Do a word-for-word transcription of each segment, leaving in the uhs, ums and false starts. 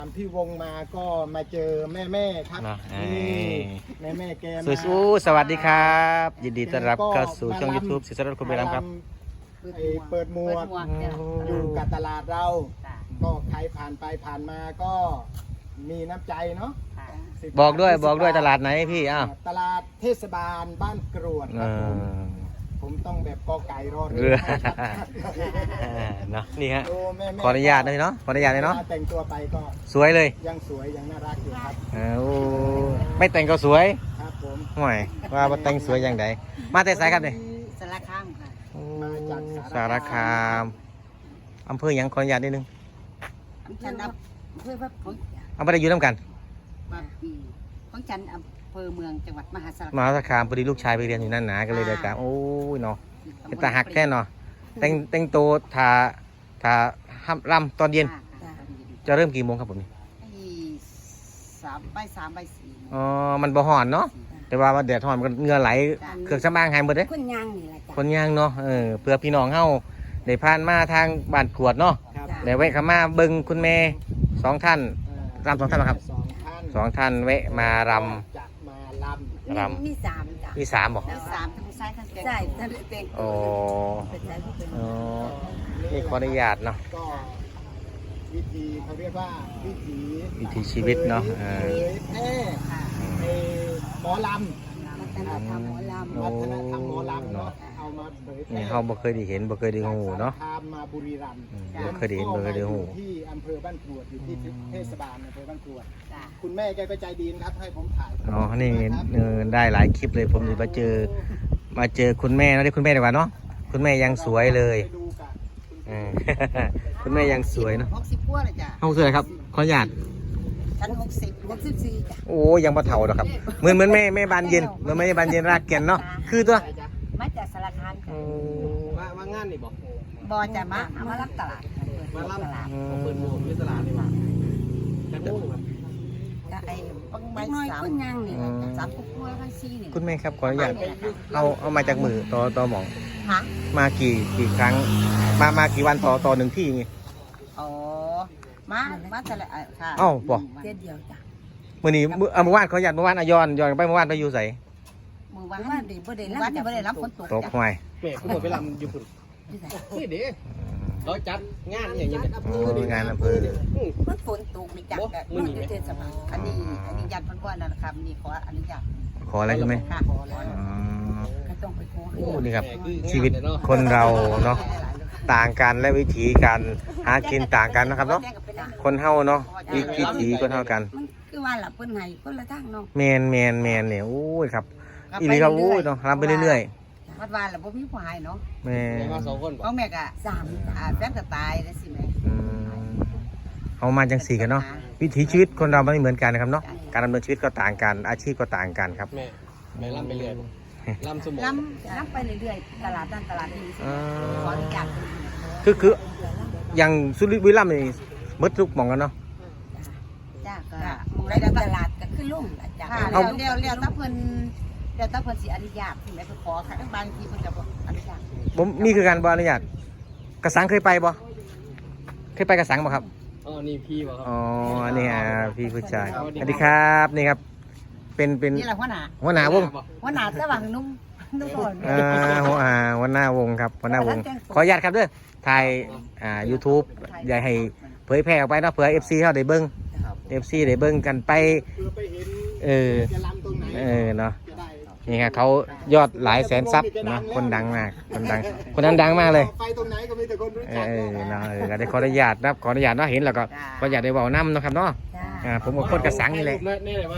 ตามที่วงมาก็มาเจอแม่แม่ครับนี่แม่แม่แกมาสู้ๆสวัสดีครับยินดีต้อนรับเข้าสู่ช่อง ยูทูบ ศิษย์รัตน์คุณไปรำครับเปิดหมวกอยู่กับตลาดเราก็ใครผ่านไปผ่านมาก็มีน้ำใจเนาะบอกด้วยบอกด้วยตลาดไหนพี่อ้าวตลาดเทศบาลบ้านกรวดครับผมผมต้องแบบกอไก่รอเรือเนาะนี่ฮะโแม่ๆขออนุญาตเลยเนาะขออนุญาตเลยเนาะแต่งตัวไปก็สวยเลยยังสวยยังน่ารักอยู่ครับเอ้าไม่แต่งก็สวยครับผมห่วยว่าบ่แต่งสวยอย่างใดมาแต่ไสครับเนี่ยสารคามค่ะมาจากสารคามอำเภอหยังขออนุญาตนิดนึงฉันอำเภอพระของเอาไปได้อยู่น้ำกันบางปีของฉันอำเภอเมืองจังหวัดมหาสารมคามหาสารคามพอดีลูกชายไปเรียนอยู่นั่นหนาก็เลยเดินตามโอ้ยเนาะเป็นตาหักแค่เนาะแต่งแต่งตัวทาทาห้ำรำตอนเย็นจะเริ่มกี่โมงครับผมนี่สามใบสามใบสี่อ๋อมันบ่ห่อนเนาะแต่ว่าแดดห่อนมันก็เหงื่อไหลเครื่องสำอางหายหมดเลยคนย่างนี่แหละจ้ะคนย่างเนาะเออเพื่อพี่น้องเฮาได้ผ่านมาทางบ้านขวดเนาะครับได้แวะเข้ามาเบิ่งคุณแม่สองท่านรำสองท่านเหรอครับสองท่านสองท่านแวะมารจะมาลำรมีสามจ้ะำมีสามบอกมีสามทั้งซ้ายทั้งใช่ทั้งเต็งโอ้เป็นใจผู้เป็นอ๋อนี่ขออนุญาตเนาะำก็วิธีเขาเรียกว่าวิถีวิถีชีวิตเนาะเอเผอยแพร่ในหมอลวัฒนธรรมหมอลำวัฒนธรรมหมอลำเนาะเอามาเผยแพร่นี่เฮาบ่เคยได้เห็นบ่เคยได้ฮู้เนาะจกสรคามมาบุรีรัมย์อืมบ่เคยได้เห็นบ่เคยได้ฮู้อยู่ที่อำเภอบ้านกรวดอยู่ที่เทศบาลอำเภอบ้านกรวดำจ้ะคุณแม่แกก็ใจดีนะครับให้ผมถ่ายอ๋อนี่เออได้หลายคลิปเลยผมจะมาเจอมาเจอคุณแม่เนาะเรียกคุณแม่ดีกว่าเนาะคุณแม่ยังสวยเลยไปดูกันเออ คุณแม่ยังสวยเนาะหกสิบกว่าเลยจ้ะห้องสวยครับขออนุญาตฉันหกสิบหกสิบสี่จ้ะโอ้ยังบ่เฒ่าดอกครับเหมือนเหมือนแม่แม่บานเย็นเหมือนแม่บานเย็นรากแก่นเนาะคือตัวมาจากสารคามอืจ้ะมมางานนี่บอกบอจะมามารับตลาดมาล่ตลาดำเปิดโมงที่ตลาดนี่ว่าแต่โมงแบบจะไอ้ปังใบสามย่างนี่สามกุ๊กกล้วยพันซีนี่คุณแม่ครับขออนุญาตเอาเอามาจากมือต่อต่อหมองฮะมากี่กี่ครั้ง มามากี่วันต่อต่อหนึ่งที่นี่อ๋อมามาแต่ละค่ะเอ้าบ่เดือนเดียวจ้ะมื้อนี้มื้อเอาเมื่อวานขออนุญาตเมื่อวานอะย้อนย้อนไปเมื่อวานไปอยู่ไสมือวันว่าดีบ่ได้รับบ่ได้รับฝนตกตกห้วยเมฆหมดไปลำอยู่พุ่นนี่เด้เราจัดงานอย่างเงี้ยโอ้งานอำเภอมันฝนตกนี่จักแบบมันอยู่เทศบาลอันนี้อันนี้ยันเพิ่นว่านะครับนี่ขออนุญาตขออะไรใช่ไหมค่ะอ๋อก็ต้องไปขอโอ้นี่ครับชีวิตคนเราเนาะต่างกันและวิถีการหากินต่างกันนะครับเนาะคนเฮาเนาะวิวิถีคนเฮากันมันคือว่าล่ะเพิ่นให้คนละทางเนาะแมนแมนแมนเนี่ยโอ้ยครับอีนี่ครับโอ้ยเนาะรับไปเรื่อยวัดว่าล่ะบ่มีผู้ให้เนาะๆแม่มาสองคนเพราะแม่ก็สามอ่าแฟนก็ตายแล้วสิแม่อืมเอามาจังสี่กันเนาะวิถีชีวิตคนเราไม่เหมือนกันนะครับเนาะการดำเนินชีวิตก็ต่างกันอาชีพก็ต่างกันครับแม่แม่ลำไปเรื่อยลำสมองล้ำล้ำไปเรื่อยๆตลาดนั่นตลาดนี้สิอ่าขออนุญาตคือคืออย่างสุริบุรีรัมย์นี่มดทุกหมองกันเนาะจ้าก็มองได้ตลาดก็ขึ้นลุ่มล่ะจ้าเลี้ยวเลี้ยวเลี้ยวตะเพิ่นเลี้ยวตะเพิ่นสิอนุญาตที่ไหนไปขอค่ะบางทีเพิ่นก็บ่อนุญาตผมนี่คือการบอนุญาตกระสังเคยไปบ่เคยไปกระสังบ่ครับอ๋อนี่พี่ป่ะครับอ๋อนี่ฮะพี่ผู้ชายสวัสดีครับนี่ครับเป็นเป็นนี่แหละหัวหน้าหัวหน้าวงหัวหน้าระหว่างนุ่มนุ่มก่อนอ่าหัวอ่าหัวหน้าวงครับหัวหน้าวงขออนุญาตครับเด้อถ่ายอ่า YouTube อย่าให้เผยแพร่ออกไปเนาะเผื่อ เอฟ ซี เฮาได้เบิ่ง เอฟ ซี ได้เบิ่งกันไปเพื่อไปเห็นเออจะลำตรงไหนเออเนาะจะได้นี่ครับเขายอดหลายแสนซับเนาะคนดังมากคนดังคนนั้นดังมากเลยไปตรงไหนก็มีแต่คนรู้เอจักอเนาะเออก็ได้ขออนุญาตนะครับขออนุญาตเนาะเห็นแล้วก็ขออนุญาตได้เว้านำเนาะครับเนาะจ้าอ่าผมกับคนกระสังนี่เลยนี่เลยว่า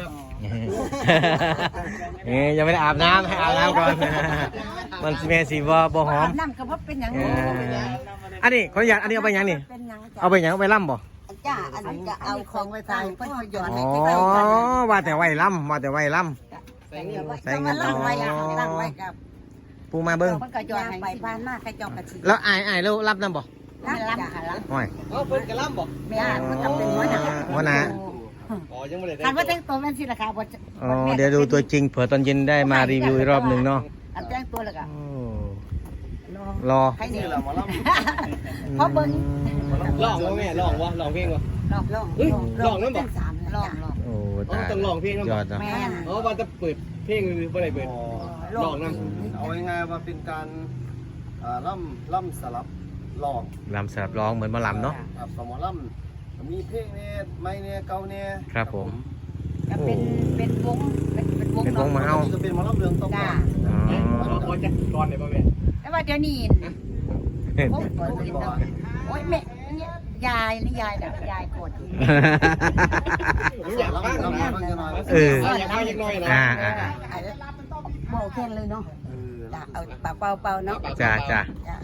เอ้ยยังไม่ได้อาบน้ำให้อาบน้ำก่อน มันเมสีบ่บ่หอมน้ำก็บ่เป็นหยังเอออันนี้ขออนุญาตอันนี้เอาไปหยังนี่เป็นหยังจ้าเอาไปหยังเอาไปล่ำบ่จ้าอันนี้จะเอาของไว้ใส่เพิ่นก็ย้อนอ๋ให้อใกล้ๆกันว่าแต่ไว้ล่ำว่าแต่ไว้ล่ใส่เงินใส่เงินตั้งไว้ตั้งไว้กับำปูมาเบิ้งเพิ่นก็ย้อนให้ไปบ้านมาใครจองกะทิแล้วอายอายแล้วรับน้ำบ่ไม่รับค่ะรับห่วยอ๋อเพิ่นกระลำบอกแม่มันก็เป็นหัวหน้าหัวหน้าอ๋อยังไม่ได้คันว่าแต่งตัวแม่นสิล่ะค่ะบ่อ๋อเดี๋ยวดูตัวจริงเผื่อตอนเย็นได้มารีวิวอีกรอบหนึ่งเนาะอันแต่งตัวแล้วก็โอ้รอรอใครนี่เรามาลเพราะเบิ่งำลองวะแม่ลองวะลองเพลงวะฮลองลองเฮ้ยลองลองนั่นบ่เป็นสามนะลองจ้ะลองโอ้อ๋อตายต้องร้องเพลงนำยอดเนาะแม่นอ๋อว่าจะเปิดเพลงหรือบ่ได้เปิด ลองนำเอาง่ายๆว่าเป็นการอ่าล่ำล่ำสลับลองลำสลับร้องเหมือนหมอลำเนาะครับสมอล่ำมีเพลงเนี่ยไม่เนี่ยเก่าเนี่ยครับผมก็เป็นเป็นวงเป็นเป็นวงเป็นวงมาเนาะเอ้าก็เป็นหมอล่ำเรืองต้องจ้าอ๋อขอขอจักก่อนได้บ่แม่แต่ว่าเดี๋ยวนี้โอ้ยโอ้ยแม่เนี่ยยายนี่ยายแบบยายโกรธอยู่ผมอยากฟังล่ำนะล่ำจะน้อยเอออยากฟังจักหน่อยนะอ่าอ่าอ่ะเบาแค่เลยเนาะเออจ้ะเอาเป่าเป่าเป่าเนาะจ้าจ้าจ้ะ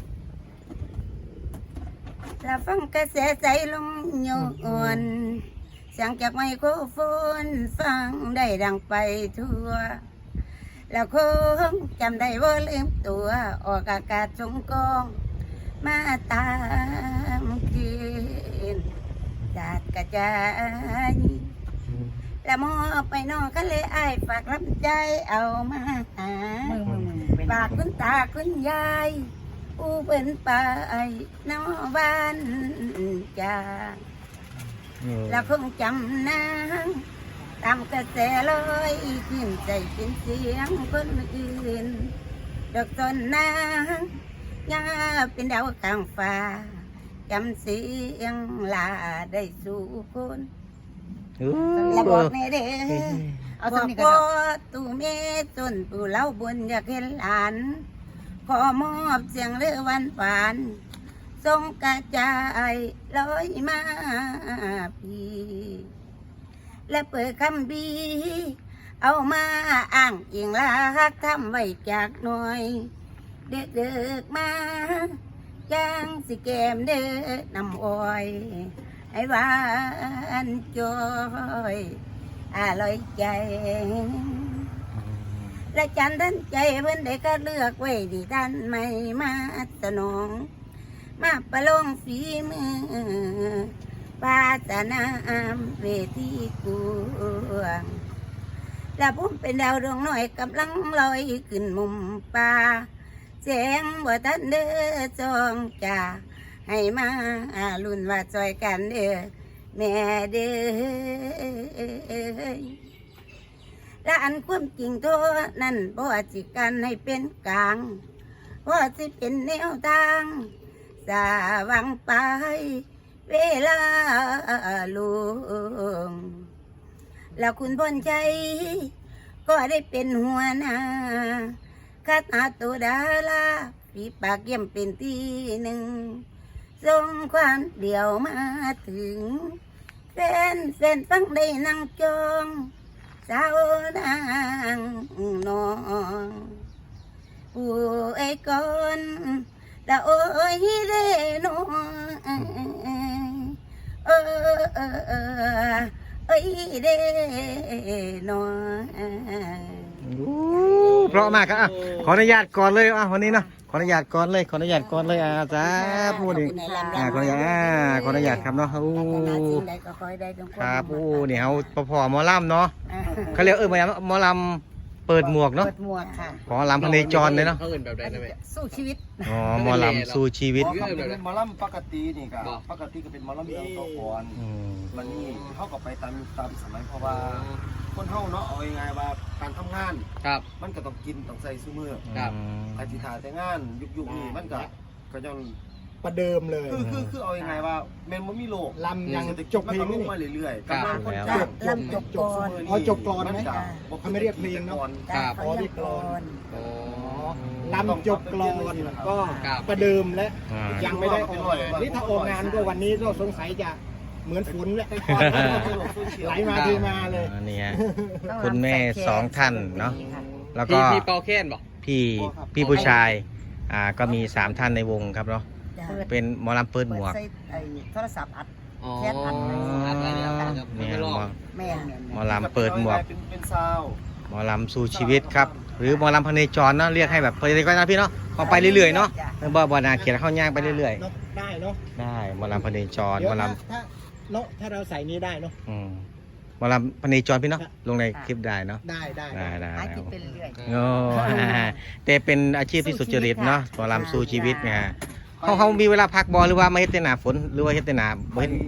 แล้วฟังกระแสใจลงโยนเสียงจากไมโครโฟนฟังได้ดังไปทั่ว แล้วคงจำได้ว่าลืมตัวออกอากาศสงกอง มาตามคืนจาดกระจายแล้วมอบไปนอกก็เลยอายฝากรับใจเอามาหามือมือมือเป็นฝากคุณตาคุณยายผู้เป็นไปนอบ้านจาแล้วคงจำนางตามกระแสลอยขึ้นใจเป็นเสียงคนอื่น ดอกต้นนางยาเป็นดาวกลางฟ้าจำเสียงลาได้สู่คนโอ้และบอกในเด้อเอาบตรอง กนี้ก็ว่าได้ตู่เมจนปู่เล่าบนอยากเห็นหลาน ขอมอบเสียงเรือวันฝานทรงกระจายลอยมาพี่และเปิดคำบีเอามาอ้างอิงรักทำไว้จากหน่อย เด็กเด็กๆมาจ้างสิแกมเด้อนำอ้อยไอ้หวานจอยอร่อยใจ และจันทันใจเพิ่นได้ก็เลือกไว้ดีท่านไม่มาสนอง มาประลองฝีมือปาสนามเวทีกวงและผมเป็นดาวดวงน้อยกำลังลอยขึ้นมุมป่าแสงบ่ทันเด้อจองจ่าให้มาลุ่นว่าจอยกันเด้อแม่เด้อและอันความจริงตัวนั้นบ่จิกันให้เป็นกลางบ่สิเป็นแนวทางสาวังไปเวลาลุงแล้วคุณพลใจก็ได้เป็นหัวหน้าคณะตัวดาราฝีปากเยี่ยมเป็นที่หนึ่งส่งความเดียวมาถึงแฟนแฟนฟังได้นั่งจองสาวนางน้องผู้ไอ้ก่อนละโอ้ยเด้นอเออเออเออเอ้ยเด้นอโอ้เพราะมากครับอ่ะขออนุญาตก่อนเลยอ่ะวันนี้เนาะขออนุญาตก่อนเลยขออนุญาตก่อนเลยอ่ะจ้าพูดดิอ่าขออนุญาตอ่าขออนุญาตครับเนาะโอ้ ครับโอ้เนี่ยเขาพอพอหมอลำเนาะเขาเรียกเออหมอลำหมอลำเปิดหมวกเนาะเปิดหมวกค่ะหมอลำพเนจรเลยเนาะเขาเอิ้นแบบใดนะแม่สู้ชีวิตอ๋อหมอลำสู้ชีวิตเพราะเขาเป็นหมอล่ำปกตินี่ก็ปกติก็เป็นหมอล่ำเรืองต้องก่อนอืมวันนี้เขาก็ไปตามตามสมัยเพราะว่าคนเฮาเนาะเอาง่ายๆว่าการทำงานครับมันก็ต้องกินต้องใส่ซุมือครับอาทิตย์าแต่งานยุคๆนี้มันก็ก็ยังประเดิมเลยคือคือคือเอายังไงว่าแม่นบ่มีโลกลำยังเศรษฐจกิบจมันเพลก็งลนี่งนี่มาเรื่อยๆครับกำลังคนแล้วจ้างลำจบก่อนอ๋อจบก่อนไหม เขาไม่เรียกเพลงเนาะครับเขาเรียกก่อนโอ้ลำจบกลอนก็ครับประเดิมและอ่ายังไม่ได้ออกนี่ถ้าออกงานก็วันนี้ก็สงสัยจะเหมือนฝนแหละไหลมาเทมาเลยอันนี้ฮะคุณแม่สองท่านเนาะแล้วก็พี่พี่เปาแค้นบ่พี่พี่ผู้ชายอ่าก็มีสามท่านในวงครับเนาะเป็นหมอลำเปิดหมวกเปิดใส่ไอ้โทรศัพท์อัดอ๋อแค้นอัดอัดอะไรเนี่ยครับเนี่ยไม่หลมองอแม่นแม่นหมอลำเปิดหมวกเป็นเป็นซาวหมอลำสู้ชีวิตครับ หรือหมอลำพเนจรเนาะเรียกให้แบบเพลินก็นะพี่เนาะพอไปเรื่อยๆเนาะบ่บ่นาเขียนเข้าย่างไปเรื่อยเนาะได้เนาะๆได้หมอลำพเนจรเดี๋หยมวอลถ้าถ้าเนาะถ้าเราใส่นี้ได้เนาะำอืมหมอลำพเนจรพี่เนาะลงในคลิปได้เนาะได้ได้ได้ได้หาได้กินเป็นเรื่อยโอ้อ่าแต่เป็นอาชีพที่สุจริตเนาะหมอลำสู้ชีวิตไงเขาเขามีเวลาพักบอหรือว่ามาเฮ็ดแต่หน้าฝนหรือว่าเฮ็ดแต่หน้าบ่เฮ็ด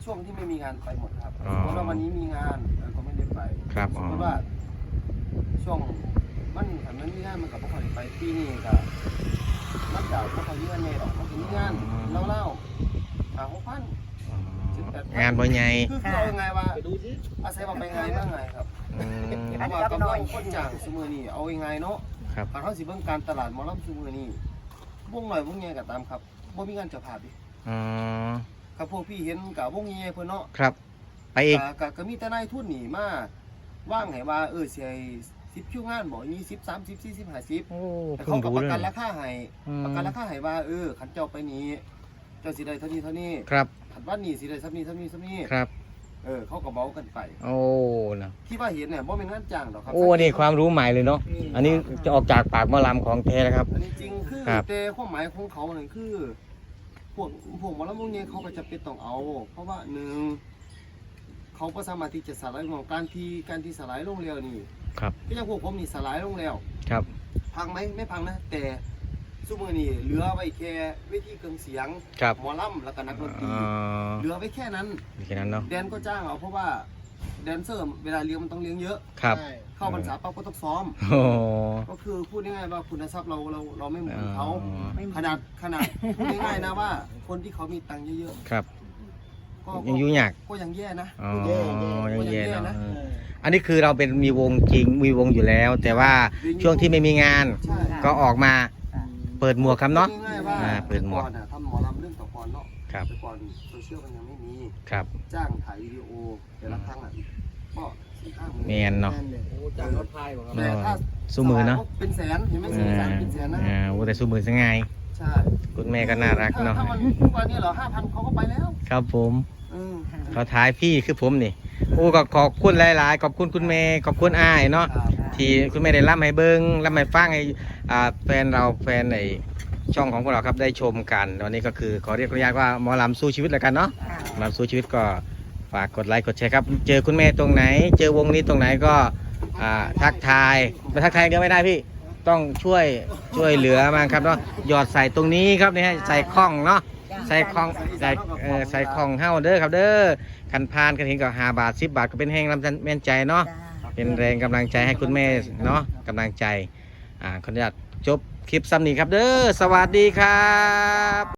ช่วงที่ไม่มีงานไปหมดครับอ๋อสมมติว่าวันนี้มีงานเออก็ไม่ได้ไปครับสอ๋มอมติว่าช่วงมันถ้ามันมีงานมันกับพวกเขาไปปีนี้ก็มันจะพวกเขาเยื่อเนตออกเขาจะมีงานเล่าเล่าหาหกพันงานบ่ใหญ่คือคือเอายังไงว่าไปดูสิอาศัยว่าไปไงบ้างไงครับอืมเพราะว่ากำลังคนจ้างสมือนี่เอายังไงเนาะครับการเขาสิเบิ่งการตลาดหมอลำสมือนี่วงหน่อยวงใหญ่ก็ตามครับบ่มีงานเจ้าภาพดิอ๋อครับพวกพี่เห็นกับวงใหญ่เพิ่นเนาะครับ ไปอีกก็ก็ก็มีแต่นายทุนนี่มาว่างให้ว่าเออสิให้สิบคิวงานบ่ยี่สิบ สามสิบ สี่สิบ ห้าสิบโอ้แต่เพิ่เขางก็รู้ประเลยกันราคาให้อืมประกันราคาให้ว่าเออคันเจ้าไปนี้เจ้าสิได้เท่านี้เท่านี้ครับคันว่านี่สิได้เท่านี้เท่านี้เท่านี้ครับเออเขาก็เมากันไปโอ้นะที่ว่าเห็นเนี่ยบ่เป็นงานจ้างหรอกครัโอ้นี่ความรู้ใหม่เลยเนาะ อันนี้จะออกจากปากหมอลำของแท้นะครับอันนี้จริงคือครับแต่ความหมายของเขาเนี่ยคือพวกพวกหมอลำวงเนี่ยเขาก็จะเป็นต้องเอา เพราะว่าหนึ่งเขาก็สามารถที่จะสลายของการที่การที่สลายลงแล้วนี่ครับก็ยังพวกผมนี่สลายลงแล้วครับพังไหมไม่พังนะแต่ซุมือนี่เหลือไว้แค่เวทีเครื่องเสียงครับหมอลำแล้วก็นักดนตรีอ๋อเหลือไว้แค่นั้นแค่นั้นเนาะแดนก็จ้างเอาเพราะว่าแดนเซอร์เวลาเลี้ยงมันต้องเลี้ยงเยอะครับใช่เข้าพรรษาปั๊บก็ต้องซ้อมโอ้ก็คือพูดง่ายๆว่าคุณทรัพย์เราเราเราไม่เหมือนเขาอ๋อขนาดขนาดพูดง่ายๆนะว่า คนที่เขามีตังค์เยอะครับๆก็ยังยุ่งยากก็ยังแย่นะอ๋อแย่ยังแย่แย่เนาะนะเอออันนี้คือเราเป็นมีวงจริง มีวงอยู่แล้ว แต่ว่าช่วงที่ไม่มีงานใช่ก็ออกมาเปิดหมวกครับเนาะพูดง่ายๆว่าอ่าเปิดหมวกแต่ก่อนน่ะทำหมอลำเรื่องตะกอนเนาะครับแต่ก่อนโซเชียลมันยังไม่มีครับจ้างถ่ายวิดีโอแต่ละครั้งอ่ะก็สี่ห้าหมื่นแมนเนาะนั่นเลยโอ้จ้างรถพายบ่ครับแต่ถ้าสู้มือเนาะเป็นแสนเห็นไหมอ่สี่แสนา เป็นแสนนะอ่าโอ้แต่สู้มือซะไงใช่คุณแม่ก็น่ารักเนาะถ้ามันทุกวันนี้เหรอห้าพันเขาก็ไปแล้วครับผมเออเขาท้ายพี่คือผมนี่โอ้ก็ขอบคุณหลาย ๆ ขอบคุณคุณแม่ขอบคุณอ้ายเนาะครับที่คุณแม่ได้รับให้เบิ้งรับให้ฟังให้อ่าแฟนเราแฟนในช่องของพวกเราครับได้ชมกันวันนี้ก็คือขอเรียกขออนุญาตว่าหมอลำสู้ชีวิตแล้วกันเนาะหมอลำสู้ชีวิตก็ฝากกดไลค์กดแชร์ครับเจอคุณแม่ตรงไหน เจอวงนี้ตรงไหนก็อ่าทักทายไปทักทายเดียวไม่ได้พี่ต้องช่วยช่วยเหลือมาครับเนาะหยอดใส่ตรงนี้ครับนี่ฮะใส่ข้องเนาะใส่ข้องใส่เออใส่ข้องเฮ้าเด้อครับเด้อคันพานกันเห็นก็ห้าบาทสิบบาทก็เป็นแห้งลำแม่นใจเนาะ เป็นแรงกำลังใจให้คุณแม่เนาะกำลังใจ อ่าขออนุญาตจบคลิปซ้ำนี้ครับเด้อ สวัสดีครับ